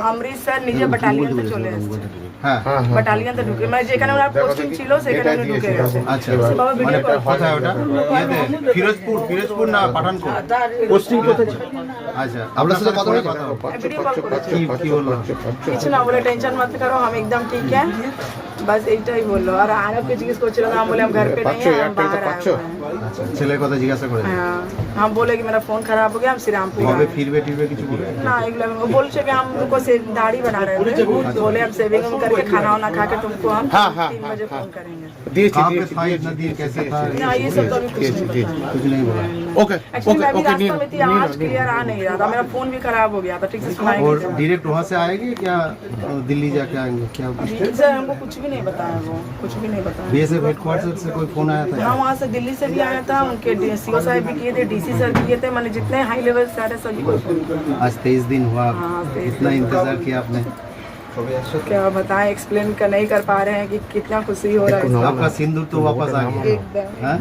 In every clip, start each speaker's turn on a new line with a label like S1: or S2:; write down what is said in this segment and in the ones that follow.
S1: অমৃতসর নিজে ব্যাটালিয়নতে চলে এসেছে। ব্যাটালিয়নতে ঢুকে মানে যেখানে ওনার পোস্টিং ছিল সেখানে উনি ঢুকে গেছে।
S2: আচ্ছা মানে কোথায় ওটা ইয়েতে ফিরোজপুর না পাঠানকোট
S3: পোস্টিং কোথায় ছিল?
S2: আচ্ছা আপনার সাথে কথা
S1: वीडियो कॉल করেছে।
S2: কি বললো
S1: কিছু না বলে টেনশন मत करो हम एकदम ठीक है बस এইটাই বললো। আর আরবকে জিজ্ঞেস করছিল না, हम बोले हम घर पे नहीं है हम बाहर आए हुए हैं।
S2: আচ্ছা ছেলের কথা জিজ্ঞাসা করে
S1: हाँ हम बोले कि मेरा फोन खराब हो गया हम श्रीरामपुर
S2: কবে
S1: आए।
S2: ফিরবে কিছু বলে
S1: ना एगला वो बोल से कि हम उनको से दाढ़ी बना रहे थे, बोले हम सेविंग करके खाना वाना खा के तुमको हम 3 बजे फोन करेंगे।
S2: कहाँ पे था इतना देर कैसे था
S1: ना ये सब तो अभी कुछ नहीं बताया।
S2: कुछ नहीं बोला
S3: ओके
S1: एक्चुअली मैं भी रास्ता में थी, आज क्लियर आ नहीं रहा था, मेरा फोन भी खराब हो गया था, ठीक से सुनाई
S2: और
S1: नहीं देता।
S2: डायरेक्ट वहाँ से आएंगे क्या दिल्ली जाके आएंगे क्या
S1: सर हमको कुछ भी नहीं बताया, वो कुछ भी नहीं बताया।
S2: बीएसएफ हेडक्वार्टर से कोई फोन आया था
S1: हाँ वहाँ से दिल्ली से भी आया था, उनके सीओ साहब भी किए थे, डीसी सर भी किए थे, मैंने जितने हाई लेवल सारे सभी को फोन किया।
S2: आज 23 दिन हुआ
S1: हाँ, 23
S2: इतना इंतजार किया आपने
S1: क्या बताएं, एक्सप्लेन कर नहीं कर पा रहे हैं कि कितना खुशी हो रहा है।
S2: आपका सिंदूर तो वापस आ गया
S1: एकदम
S2: हाँ?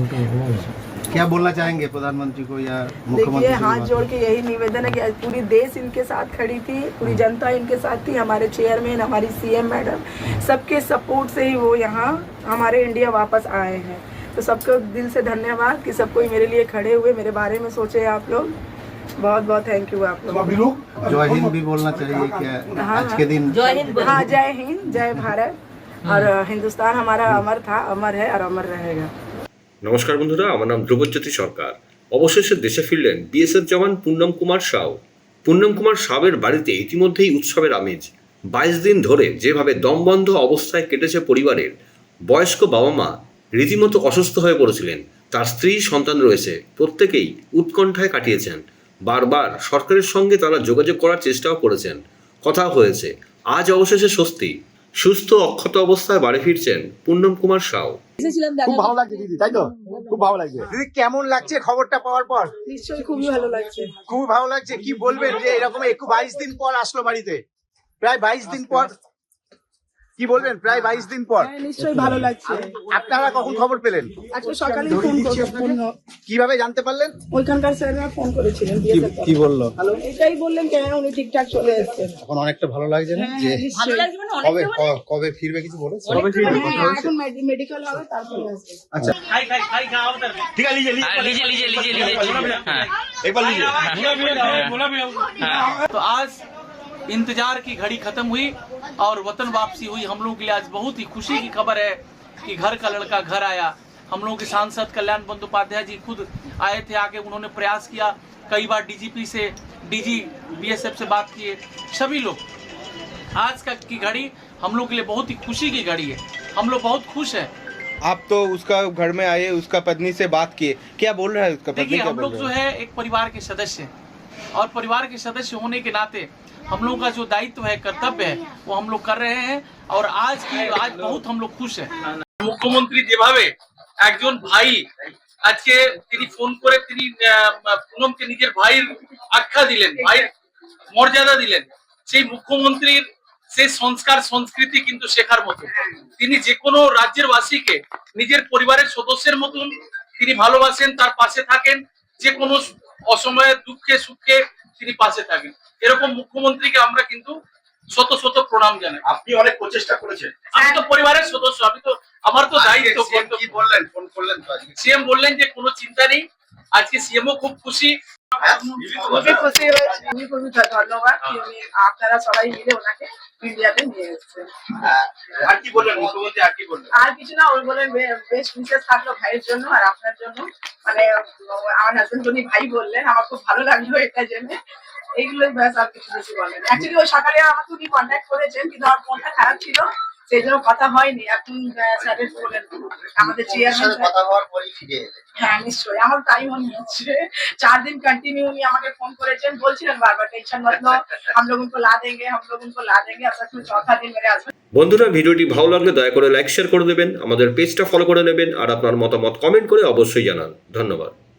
S2: क्या बोलना चाहेंगे प्रधानमंत्री को या
S1: देखिए
S2: मुख्यमंत्री से
S1: हाथ
S2: बात?
S1: जोड़ के यही निवेदन है कि आज पूरी देश इनके साथ खड़ी थी, पूरी जनता इनके साथ थी, हमारे चेयरमैन हमारी सीएम मैडम सबके सपोर्ट से ही वो यहाँ हमारे इंडिया वापस आए हैं। तो सबको दिल से धन्यवाद कि सब कोई मेरे लिए खड़े हुए, मेरे बारे में सोचे आप लोग, बहुत बहुत थैंक यू आप लोग।
S2: जय हिंद भी बोलना चाहिए क्या
S1: हाँ,
S2: आज के दिन
S1: हाँ जय हिंद जय भारत और हिंदुस्तान हमारा अमर था, अमर है और अमर रहेगा।
S4: নমস্কার বন্ধুরা, আমার নাম ধ্রুবজ্যোতি সরকার। অবশেষে দেশে ফিরলেন বিএসএফ জওয়ান পুন্নম কুমার সাউ। পুন্নম কুমার সাউয়ের বাড়িতে ইতিমধ্যেই উৎসবের আমেজ। 22 দিন ধরে যেভাবে দমবন্ধ অবস্থায় কেটেছে পরিবারের, বয়স্ক বাবা মা রীতিমতো অসুস্থ হয়ে পড়েছিলেন। তার স্ত্রী সন্তান রয়েছে, প্রত্যেকেই উৎকণ্ঠায় কাটিয়েছেন। বারবার সরকারের সঙ্গে তারা যোগাযোগ করার চেষ্টাও করেছেন, কথা হয়েছে। আজ অবশেষে স্বস্তি, সুস্থ অক্ষত অবস্থায় বাড়ি ফিরছেন পুন্নম কুমার সাউ।
S3: খুব ভালো লাগছে দিদি, তাই তো? খুব ভালো লাগছে দিদি। কেমন লাগছে খবরটা পাওয়ার পর?
S1: নিশ্চয়ই খুবই ভালো লাগছে।
S3: খুব ভালো লাগছে। কি বলবেন যে এরকম 22 দিন পর আসলো বাড়িতে, প্রায় 22 দিন পর, কি বলবেন প্রায় 22 দিন পর?
S1: নিশ্চয়ই ভালো লাগছে।
S3: আপনারা কখন খবর পেলেন?
S1: আজকে সকালে ফোন
S3: কিভাবে জানতে পারলেন?
S1: ওইখানকার স্যাররা ফোন করেছিলেন,
S2: কি বললো
S1: এটাই বললেন কেন উনি ঠিকঠাক চলে এসেছেন।
S2: এখন অনেকটা ভালো লাগছে না যে কবে কবে ফিরবে কিছু বলেছে
S1: এখন মেডিকেল হবে তারপরে আসবে।
S2: আচ্ছা
S3: ঠিক আছে, लीजिए एक बार लीजिए।
S5: तो आज इंतजार की घड़ी खत्म हुई और वतन वापसी हुई। हम लोगों के लिए आज बहुत ही खुशी की खबर है कि घर का लड़का घर आया। हम लोगों के सांसद कल्याण बंदोपाध्याय जी खुद आए थे, आके उन्होंने प्रयास किया, कई बार डीजीपी से डीजी बीएसएफ से बात किए, सभी लोग। आज का की घड़ी हम लोग के लिए बहुत ही खुशी की घड़ी है, हम लोग बहुत खुश हैं।
S6: आप तो उसका घर में आए, उसका पत्नी से बात किए, क्या बोल रहा है उसका पत्नी?
S5: देखिए हम लोग जो है एक परिवार के सदस्य हैं और परिवार के सदस्य होने के नाते हम लोगों का जो दायित्व है, कर्तव्य है, वो हम लोग कर रहे हैं और आज बहुत हम लोग खुश हैं। মুখ্যমন্ত্রী যেভাবে একজন ভাই আজকে তিনি ফোন করে তিনি পুনমকে নিজের ভাইয়ের আখ্যা দিলেন, ভাইয়ের মর্যাদা দিলেন, সেই মুখ্যমন্ত্রীর সেই সংস্কার সংস্কৃতি কিন্তু শেখার মতো। তিনি যে কোনো রাজ্যের বাসীকে নিজের পরিবারের সদস্যের মতন তিনি ভালোবাসেন, তার পাশে থাকেন, যে কোনো অসময়ে দুঃখে সুখে তিনি পাশে থাকেন। এরকম মুখ্যমন্ত্রীকে আমরা কিন্তু শত শত প্রণাম জানাই।
S3: আপনি অনেক প্রচেষ্টা করেছেন।
S5: আমি তো পরিবারের সদস্য, আমি তো আমার তো দায়িত্ব।
S3: কি বললেন? ফোন করলেন তো আজকে?
S5: সিএম বললেন যে কোনো চিন্তা নেই, আজকে সিএমও খুব খুশি।
S1: খুবই খুশি হয়েছে, খুবই ধন্যবাদ কি উনি আপনারা সবাই মিলে ওনাকে ইন্ডিয়াতে নিয়ে এসেছেন।
S3: আর কি বললেন মুখ্যমন্ত্রী? আর কি বললেন?
S1: আর কিছু না, ওই বলেন বেশ বিশেষ থাকলো ভাইয়ের জন্য আর আপনার জন্য, মানে আমার হাজবেন্ড উনি ভাই বললেন, আমার খুব ভালো লাগলো এটা জেনে। এইগুলোই ব্যাস, আর কিছু বেশি বলেন। অ্যাকচুয়ালি ওই সকালে আমাকে উনি কন্ট্যাক্ট করেছেন কিন্তু আমার ফোনটা খারাপ ছিল, সেই জন্য কথা হয়নি। এখন স্যারের বলেন আমাদের চেয়ারম্যান
S3: কথা হওয়ার পরই ফিরে এলেন।
S1: হ্যাঁ নিশ্চয়ই, আমার তাই মনে হচ্ছে। 4 दिन कंटिन्यू उन्हीं আমাকে ফোন করেছেন, বলছিলেন বারবার টেনশন मत लो, हम लोग उनको ला देंगे, हम लोग उनको ला देंगे। अब सच में चौथा दिन मेरे हस्बैंड।
S4: বন্ধুরা, ভিডিওটি ভালো লাগলে দয়া করে লাইক শেয়ার করে দেবেন, আমাদের পেজটা ফলো করে নেবেন আর আপনার মতামত কমেন্ট করে অবশ্যই জানান। ধন্যবাদ।